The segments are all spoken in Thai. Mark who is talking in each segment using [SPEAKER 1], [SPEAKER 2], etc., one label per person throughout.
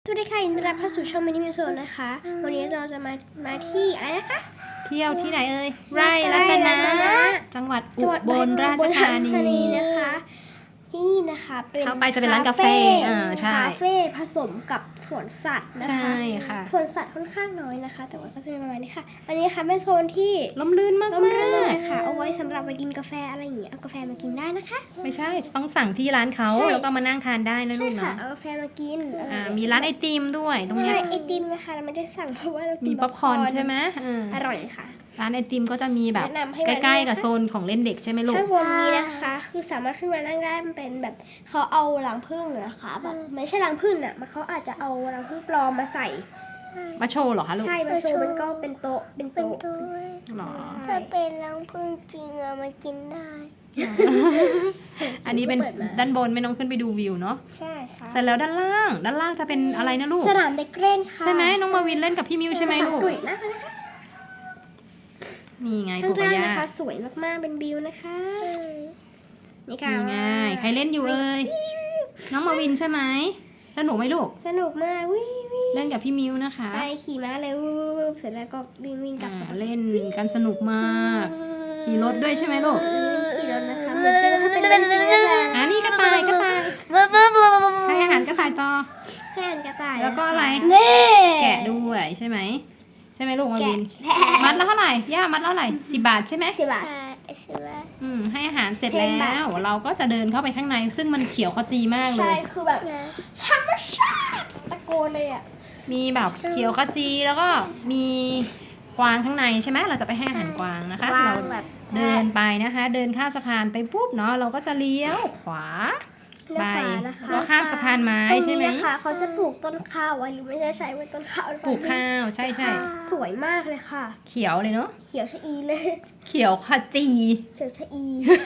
[SPEAKER 1] สวัสดีค่ะยินดีต้อนรับเข้าสู่ช่องมินิมิวโซนนะคะ วันนี้เราจะมาที่อะไรนะคะ
[SPEAKER 2] เที่ยวที่ไหนเอ่ยไร่รัตนะจังหวัดอุบลราชธานี
[SPEAKER 1] นะคะที่นี่นะคะเป็น
[SPEAKER 2] เข้าไปจะเป็นร้านกาแฟใช่
[SPEAKER 1] คาเฟ่ผสมกับสวนสัตว์นะคะ
[SPEAKER 2] ใช่ค่ะ
[SPEAKER 1] สวนสัตว์ค่อนข้างน้อยนะคะ แต่ว่าก็จะเป็นประมาณนี้ค่ะอันนี้ค่ะเป็นโซนที่
[SPEAKER 2] ล่มลื่นมาก
[SPEAKER 1] ร่มรื่นนะคะเอาไว้สำหรับไปกินกาแฟอะไรอย่างเงี้ยเอากาแฟมากินได้นะคะ
[SPEAKER 2] ไม่ใช่ต้องสั่งที่ร้านเขา
[SPEAKER 1] ใช่
[SPEAKER 2] แล้วก็มานั่งทานได้นะลู
[SPEAKER 1] ใช่
[SPEAKER 2] ก
[SPEAKER 1] ค่ะ
[SPEAKER 2] เนาะ
[SPEAKER 1] เอากาแฟมากินอะไรอย่งเงี้ย
[SPEAKER 2] มีร้านไอติมด้วยตรงเนี้
[SPEAKER 1] ใช่
[SPEAKER 2] ย
[SPEAKER 1] ไอติมนะคะเราไม่ได้สั่งเพราะว่าเรากิ
[SPEAKER 2] มี
[SPEAKER 1] น
[SPEAKER 2] ป๊อปคอร์นใช่ไหม
[SPEAKER 1] อร่อยเลยค่ะ
[SPEAKER 2] ร้านไอติมก็จะมีแบบ
[SPEAKER 1] แนะนำให้
[SPEAKER 2] ใก
[SPEAKER 1] มา
[SPEAKER 2] ล้
[SPEAKER 1] ด้วย
[SPEAKER 2] ๆกับ
[SPEAKER 1] นะคะ
[SPEAKER 2] โซนของเล่นเด็กใช่ไหมลูก
[SPEAKER 1] ข้างบนนี้นะคะคือสามารถขึ้นมานั่งได้มันเป็นแบบเขาเอารังผึ้งนะคะแบบไม่ใช่รังผึ้งอ่ะมันเขาอาจจะเอารังผึ้งปลอมมาใส่
[SPEAKER 2] มาโชว์เหรอคะลูก
[SPEAKER 1] ใช่มาโชว์มันก็เป็นโต๊ะเป็น
[SPEAKER 3] เป็น
[SPEAKER 1] โต๊ะ
[SPEAKER 3] ตัว
[SPEAKER 2] หรอ
[SPEAKER 3] ถ้าเป็นรังผึ้งจริงอะมากินได้
[SPEAKER 2] อันนี้เป็นด้านบนไม่ต้องขึ้นไปดูวิวเนาะ
[SPEAKER 1] ใช่ค่ะ
[SPEAKER 2] เสร็จแล้วด้านล่างจะเป็นอะไรนะลูก
[SPEAKER 1] สนามเด็กเล่นค่ะ
[SPEAKER 2] ใช่ไหมน้องมาวินเล่นกับพี่มิวใช่ไหมลูก
[SPEAKER 1] ดุยนะคะ
[SPEAKER 2] นี่ไง
[SPEAKER 1] ข้า
[SPEAKER 2] ปู่
[SPEAKER 1] ง
[SPEAKER 2] กับ
[SPEAKER 1] ล่าง
[SPEAKER 2] ย่า
[SPEAKER 1] นะคะสวยมากๆเป็นวิวนะคะนี่ค่ะ
[SPEAKER 2] นี่ไงใครเล่นอยู่เอ่ยน้องมาวินใช่ไหมสนุกไหมลูก
[SPEAKER 1] สนุกมากวิว
[SPEAKER 2] เล่นกับพี่มิวนะคะ
[SPEAKER 1] ไปขี่ม้าเลยวูบเสร็จแล้วก็วิ่งกลับ
[SPEAKER 2] เล่นกันสนุกมากขี่รถด้วยใช่ไหมลูก
[SPEAKER 1] ขี่รถนะคะเหมือนเป็นเรื่องจริงนะคะ
[SPEAKER 2] นี่กระต่าย
[SPEAKER 3] บ๊บบ๊บบ๊บบ๊บ
[SPEAKER 2] ให้อาหารกระต่ายต่อ
[SPEAKER 1] แค่นกระต่าย
[SPEAKER 2] แล้วก็อะไร
[SPEAKER 3] นี่
[SPEAKER 2] แกะด้วยใช่ไหมใช่ไหมลูกมาวินมัดละเท่าไหร่ย่ามัดละเท่าไหร่10 บาทใช่ไหม
[SPEAKER 1] 10 บาท
[SPEAKER 3] ใช่ใช่ไหม
[SPEAKER 2] ให้อาหารเสร็จ
[SPEAKER 1] 10
[SPEAKER 2] แล้
[SPEAKER 1] บาท
[SPEAKER 2] ว เราก็จะเดินเข้าไปข้างใน ซึ่งมันเขียวขจีมากเล
[SPEAKER 1] ใช่
[SPEAKER 2] ย
[SPEAKER 1] คือแบบ
[SPEAKER 3] นะ
[SPEAKER 1] ธรรมชาติตะโกนเลยอ่ะ
[SPEAKER 2] มีแบบเขียวขจีแล้วก็มีกวางข้างในใช่ไหมเราจะไปให้อาหารกวางนะคะ
[SPEAKER 1] วาง
[SPEAKER 2] เรา
[SPEAKER 1] แบบ
[SPEAKER 2] เดินไปนะคะ เดินข้ามสะพานไปปุ๊บเนาะเราก็จะเลี้ยวขวาไป
[SPEAKER 1] นะคะ
[SPEAKER 2] แล้วข้ามสะพานไม้
[SPEAKER 1] ตรง
[SPEAKER 2] ใช่
[SPEAKER 1] นี้
[SPEAKER 2] ไหม
[SPEAKER 1] นะคะเขาจะปลูกต้นข้าวไว้หรือไม่ใช่ใช้ไว้ต้นข้าวหรือเ
[SPEAKER 2] ปลูกข้าวใช่ใช่
[SPEAKER 1] สวยมากเลยค่ะ
[SPEAKER 2] เขียวเลยเนาะ
[SPEAKER 1] เขียวชะอีเลย
[SPEAKER 2] เขียวขจี
[SPEAKER 1] เขียวชะอี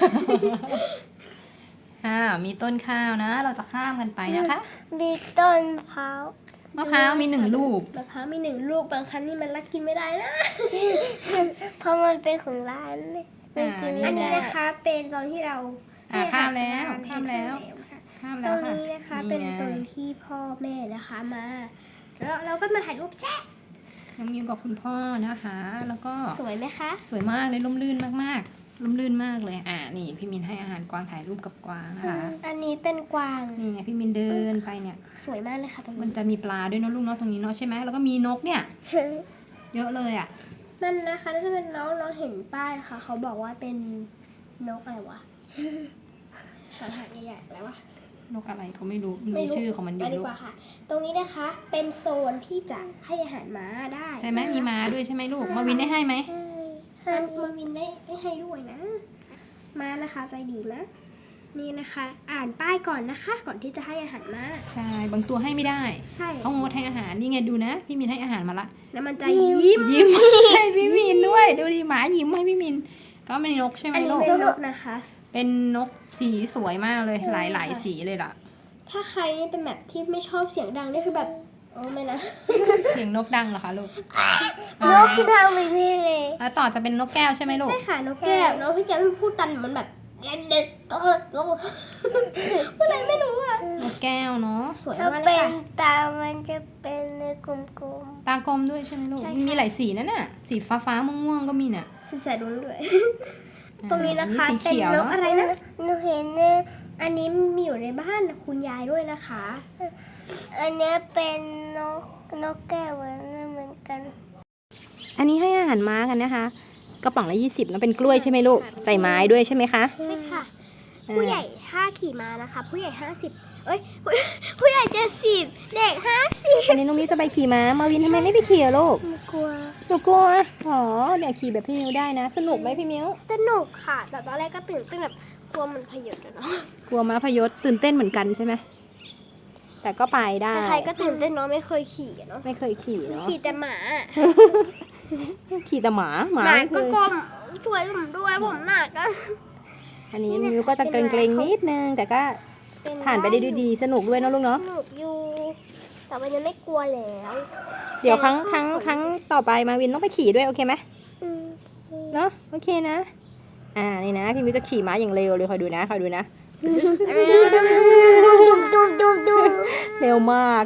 [SPEAKER 2] มีต้นข้าวนะ เราจะข้ามกันไปนะคะ
[SPEAKER 3] มีต้นมะพร้าว
[SPEAKER 2] มะพร้าวมี1 ลูก
[SPEAKER 1] มะพร้าวมี1 ลูกบางครั้งนี่มันรักกินไม่ได้นะ
[SPEAKER 3] เพราะมันเป็นของร้านเลยไม่กิน
[SPEAKER 2] อั
[SPEAKER 1] อัน
[SPEAKER 3] ไม่
[SPEAKER 1] นี้
[SPEAKER 3] ได้
[SPEAKER 1] นะคะเป็นตอนที่เรา
[SPEAKER 2] ข้ามแล้วข้ามแล้ว ข้าม
[SPEAKER 1] ต
[SPEAKER 2] แล้
[SPEAKER 1] ร
[SPEAKER 2] ว
[SPEAKER 1] ง
[SPEAKER 2] ค่ะ
[SPEAKER 1] นี้นะคะเป็นตรงที่พ่อแม่นะคะมาแล้วเราก็มาถ่ายรูปแชะ
[SPEAKER 2] น้องมิวกับคุณพ่อนะคะ แล้วก็
[SPEAKER 1] สวยไหมคะ
[SPEAKER 2] สวยมากเลยร่มรื่นมากๆร่มรื่นมากเลยนี่พี่มินให้อาหารกวางถ่ายรูปกับกวางนะคะ
[SPEAKER 1] อันนี้เป็นกวาง
[SPEAKER 2] นี่ไงพี่มินเดินไปเนี่ย
[SPEAKER 1] สวยมากเลยค่ะตรง
[SPEAKER 2] มัน
[SPEAKER 1] นี้
[SPEAKER 2] จะมีปลาด้วยเนอะลูกเนาะตรงนี้เนาะใช่ไหมแล้วก็มีนกเนี่ย เยอะเลยอ่ะ
[SPEAKER 1] มันนะคะน่าจะเป็นน้องเห็นป้ายนะคะเขาบอกว่าเป็นนกอะไรวะ หางใหญ่ๆอะไรวะ
[SPEAKER 2] นกอะไรเขาไม่รู้มันมีชื่อของมันอยู่
[SPEAKER 1] ไปดี
[SPEAKER 2] ลูก
[SPEAKER 1] กว่าค่ะ ตรงนี้นะคะเป็นโซนที่จะให้อาหารม้าได้
[SPEAKER 2] ใช่ไหมมีม้าด้วยใช่ไหมลูกมาวินได้ให้ไหม
[SPEAKER 1] มันมาวินได้ให้ด้วยนะม้านะคะใจดีนะนี่นะคะ อ่านป้ายก่อนนะคะ ก่อนที่จะให้อาหารม้า
[SPEAKER 2] ใช่บางตัวให้ไม่ได้
[SPEAKER 1] ใช่
[SPEAKER 2] เขางดให้อาหารนี่ไงดูนะพี่มินให้อาหารมาละ
[SPEAKER 1] แล้วมันจะยิ้ม
[SPEAKER 2] ยิ้มให้พี่มินด้วยดูดิหมายิ้มให้พี่มินก็เป็นนกใช่ไหม
[SPEAKER 1] อันนี้
[SPEAKER 2] ลูก
[SPEAKER 1] เป็นนกนะคะ
[SPEAKER 2] เป็นนกสีสวยมากเลยหลายๆสีเลยล่ะ
[SPEAKER 1] ถ้าใครนี่เป็นแบบที่ไม่ชอบเสียงดังนี่คือแบบโอ้ไม่นะ
[SPEAKER 2] เสียงนกดังเหรอคะลูก
[SPEAKER 3] นกทำแบบนี้เลย
[SPEAKER 2] แล้วต่อจะเป็นนกแก้วใช่ไหมลูก
[SPEAKER 1] ใช่ค่ะนกแก้วน้องพี่แก้วมันพูดตันมันแบบเด็กก็อะไรไม่รู้อ่ะ
[SPEAKER 2] นกแก้วเนาะ
[SPEAKER 1] สวย
[SPEAKER 3] ถ้าม
[SPEAKER 1] ากเล
[SPEAKER 3] เป็
[SPEAKER 1] ย
[SPEAKER 3] น
[SPEAKER 1] ค่ะ
[SPEAKER 3] ตามันจะเป็นกลม
[SPEAKER 2] ตากลมด้วยใช่ไหมลูก
[SPEAKER 1] ใช่ค่ะ
[SPEAKER 2] มันมีหลายสีนั่นน่ะสีฟ้าๆม่วงๆก็มีน่ะ
[SPEAKER 1] สีแสดรุ้งด้วย ตรงนี้นะคะ
[SPEAKER 2] สี
[SPEAKER 1] เป็น
[SPEAKER 2] เขียวน
[SPEAKER 1] ก
[SPEAKER 2] เนาะ
[SPEAKER 1] อะไรนะ
[SPEAKER 3] ๆหนูเห็นเนี่ย
[SPEAKER 1] อันนี้มีอยู่ในบ้านคุณยายด้วยนะคะ
[SPEAKER 3] อันเนี้ยเป็นนกแก้วเหมือนกัน
[SPEAKER 2] อันนี้ให้อาหารม้ากันนะคะกระป๋องละ20แล้วเป็นกล้วยใช่ไหมลูกใส่ไม้ด้วยใช่ไหมคะ
[SPEAKER 1] ใช่ค่ะ ผู้ใหญ่5ขี่ม้านะคะ ผู้ใหญ่50เอ้ย ผู้ใหญ่70เด็ก50
[SPEAKER 2] อันนี้น้องมิวจะไปขี่ม้ามาวินทำไมไม่ไปขี่อะลูก
[SPEAKER 3] หนูกลัว
[SPEAKER 2] หนูกลัวอ๋อเดี๋ยวขี่แบบพี่มิวได้นะ สนุกไหมพี่มิว
[SPEAKER 1] สนุกค่ะ แต่ตอนแรกก็ตื่นเต้นแบบกลัวมันพยศอะเนาะ
[SPEAKER 2] กลัวม้าพยศตื่นเต้นเหมือนกันใช่ไหมแต่ก็ไปได้
[SPEAKER 1] ใครๆก็ตื่นเต้นเนาะไม่เคยขี่อะเนาะ
[SPEAKER 2] ไม่เคยขี่เนาะ
[SPEAKER 1] ขี่แต่หมา
[SPEAKER 2] ขี่แต่หมา
[SPEAKER 1] หมา
[SPEAKER 2] ไม่เค
[SPEAKER 1] ก็
[SPEAKER 2] ย
[SPEAKER 1] กลมช่วยผมด้วยผมหนักอะ
[SPEAKER 2] อันนี้มิวก็จะเกรงๆนิดนึงแต่ก็ผ่านไปได้ด้วยดีสนุกด้วยเนอะลูก
[SPEAKER 1] ส
[SPEAKER 2] เนาะ
[SPEAKER 1] นุกอยู่ แต่มันยังไม่กลัวแล้ว
[SPEAKER 2] เดี๋ยวครั้งต่อไปมาวินต้องไปขี่ด้วยโอเคไหม
[SPEAKER 3] อืม
[SPEAKER 2] เนาะโอเคนะนี่นะพี่มิวจะขี่ม้าอย่างเร็วเลยคอยดูนะ
[SPEAKER 3] ดู
[SPEAKER 2] เร็วมาก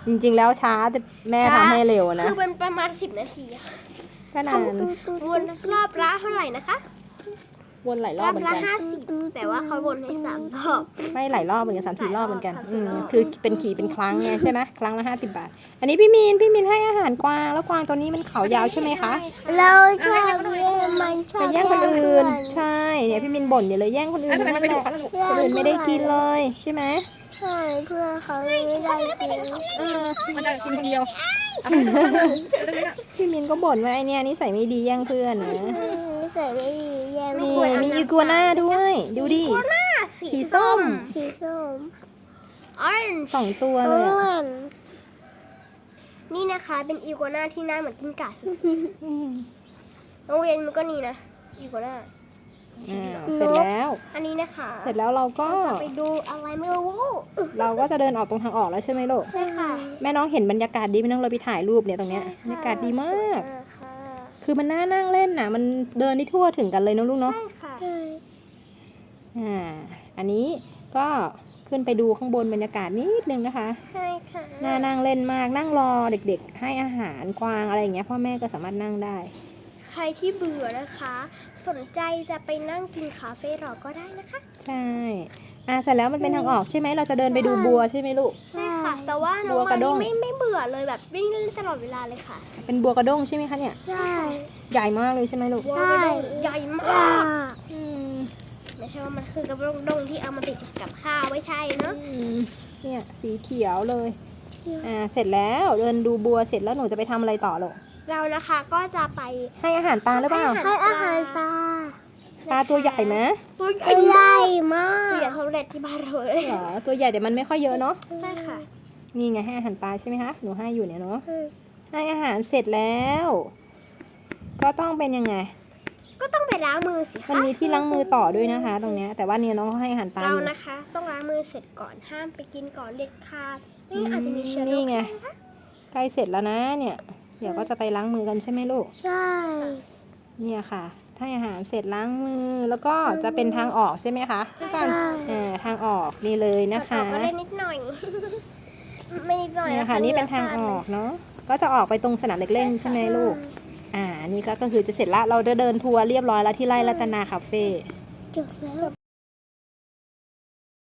[SPEAKER 2] จริงๆแล้วช้าแต่แม่ทำให้เร็วนะ
[SPEAKER 1] คือเป็นประมาณ10 นาทีอะ
[SPEAKER 2] ก็นาน
[SPEAKER 1] วนรอบละเท่าไหร่นะคะ
[SPEAKER 2] วนหลายร
[SPEAKER 1] ร
[SPEAKER 2] อ
[SPEAKER 1] อ
[SPEAKER 2] บบ เหมือน
[SPEAKER 1] ละ
[SPEAKER 2] กัน
[SPEAKER 1] 50แต่ว่าเขาวนให้3 รอบ
[SPEAKER 2] ไม่หลายรอบเหมือนกัน3-4 รอบเหมือนกัน
[SPEAKER 1] หลายรอบ
[SPEAKER 2] อืมคือเป็นขี่เป็นครั้งไงใช่ไหมครั้งละ50 บาท อันนี้พี่มีนให้อาหารกวางแล้วกวางตัวนี้มันเขายาวใช่ไหมคะ
[SPEAKER 3] เราชอบแย่งมันชอ
[SPEAKER 2] ไป
[SPEAKER 3] บ
[SPEAKER 2] แย่งคนอื่นใช่เนี่ยพี่มินบ่นอยู่เลยแย่งคนอื่นนั่นแหละคนอื่นไม่ได้กินเลยใช่ไหม
[SPEAKER 3] ใช่เพื่อนเขาไม่ได้กิน
[SPEAKER 2] มันจะกินคนเดียวพี่มินก็บ่นว่าไอเนี่ยนิสัยไม่ดีแย่งเพื่อนนะ
[SPEAKER 3] นิสัยไม่ดีแย่ง
[SPEAKER 2] นี่
[SPEAKER 3] เพื่อน
[SPEAKER 2] มีอีกัวน่าด้วยดูดิสีส้ม
[SPEAKER 3] สีส้ม
[SPEAKER 1] orange
[SPEAKER 2] 2 ตัว
[SPEAKER 3] อ้
[SPEAKER 2] เลย
[SPEAKER 3] ว
[SPEAKER 2] อะ
[SPEAKER 3] น
[SPEAKER 1] นี่นะคะเป็นอีกัวน่าที่หน้าเหมือนกิ้งก่า
[SPEAKER 2] อืม
[SPEAKER 1] โรงเรียนมันก็นี่นะอีกัวน่า
[SPEAKER 2] เสร็จแล้ว
[SPEAKER 1] อันนี้นะคะ
[SPEAKER 2] เสร็จแล้วเราก็
[SPEAKER 1] จะไปดูอะไรไม่รู้
[SPEAKER 2] เราก็จะเดินออกตรงทางออกแล้วใช่ไหมลูก
[SPEAKER 1] ใช่ค่ะ
[SPEAKER 2] แม่น้องเห็นบรรยากาศดีไหมน้องเราไปถ่ายรูปเนี่ยตรงเนี้ยบรรยากาศดีมาก
[SPEAKER 1] สวยค่ะ
[SPEAKER 2] คือมันน่านั่งเล่นน่ะ มันเดินได้ทั่วถึงกันเลยนะลูกเนาะ
[SPEAKER 1] ใช่ค่ะ
[SPEAKER 3] ใช่
[SPEAKER 2] อันนี้ก็ขึ้นไปดูข้างบนบรรยากาศนิดนึงนะคะ
[SPEAKER 1] ใช่ค่ะ
[SPEAKER 2] น่านั่งเล่นมากนั่งรอเด็กๆ ให้อาหารกวางอะไรอย่างเงี้ยพ่อแม่ก็สามารถนั่งได้
[SPEAKER 1] ใครที่เบื่อนะคะ สนใจจะไปนั่งกินคาเฟ่รอก็ได้นะคะ
[SPEAKER 2] ใช่เสร็จแล้วมันเป็นทางออกใช่ไหมเราจะเดินไปดูบัวใช่ไหมลูก
[SPEAKER 1] ใช่ค่ะ แต่ว่าน้
[SPEAKER 2] บั
[SPEAKER 1] อง
[SPEAKER 2] วกระด้
[SPEAKER 1] มาง นี่ไม่เบื่อเลยแบบวิ่งเล่นตลอดเวลาเลยค่ะ
[SPEAKER 2] เป็นบัวกระด้งใช่ไหมคะเนี่ย
[SPEAKER 3] ใช่
[SPEAKER 2] ใหญ่มากเลยใช่ไหมลูก
[SPEAKER 1] บัวกระด้งใหญ่ม
[SPEAKER 3] อ่า
[SPEAKER 1] าก ไม่ใช่ว่ามันคือกระด้งที่เอามาติดกับข้าวไม่ใช่เนาะ
[SPEAKER 2] เนี่ยสีเขียวเลย เสร็จแล้วเดินดูบัวเสร็จแล้วหนูจะไปทำอะไรต่อลูก
[SPEAKER 1] เรานะคะก็จะไป
[SPEAKER 2] ให้อาหารปลาหรือเปล่า
[SPEAKER 3] ให้อาหารปลา
[SPEAKER 2] ปลาตัวใหญ่ไหม
[SPEAKER 1] ตัวใหญ่
[SPEAKER 3] ตัวใหญ่มา
[SPEAKER 1] ตัวใหญ่
[SPEAKER 3] ก
[SPEAKER 1] เท่าเล็ดที่บ้านเราเลย
[SPEAKER 2] เหรอตัวใหญ่แต่มันไม่ค่อยเยอะเนาะ
[SPEAKER 1] ใช่ค่ะ
[SPEAKER 2] นี่ไงให้อาหารปลาใช่ไหมคะหนูให้อยู่เนี่ยเนาะให้อาหารเสร็จแล้ว ก็ต้องเป็นยังไง
[SPEAKER 1] ก็ต้องไปล้างมือสิ
[SPEAKER 2] มัน
[SPEAKER 1] คะ
[SPEAKER 2] มีที่ล้างมือต่อด้วยนะคะ ตรงเนี้ยแต่ว่าเนี่ยน้องเขาให้อาหารปลา
[SPEAKER 1] เรา
[SPEAKER 2] อยู่
[SPEAKER 1] นะคะ ต้องล้างมือเสร็จก่อนห้ามไปกินก่อนเด็ดขาดนี่อาจจะมีเชื้อโร
[SPEAKER 2] นี่
[SPEAKER 1] ค
[SPEAKER 2] ไง
[SPEAKER 1] นะคะ
[SPEAKER 2] ใกล้เสร็จแล้วนะเนี่ย เดี๋ยวก็จะไปล้างมือกันใช่ไหมลูก
[SPEAKER 3] ใช่
[SPEAKER 2] เนี่ยค่ะให้อาหารเสร็จล้างมือแล้วก็จะเป็นทางออกใช่ไหมคะพี่ก่อนทางออกนี่เลยนะคะ
[SPEAKER 1] ต่อก็ได้นิดหน่อย ไม่นิดหน่อย
[SPEAKER 2] เนี่ยค่ะนี่เป็นทางออกเนาะก็จะออกไปตรงสนามเด็กเล่นใช่ไหมลูกนี่ก็คือจะเสร็จละเราเดินทัวร์เรียบร้อยแล้วที่ไร่รัตนาคาเฟ่
[SPEAKER 3] จบแล้ว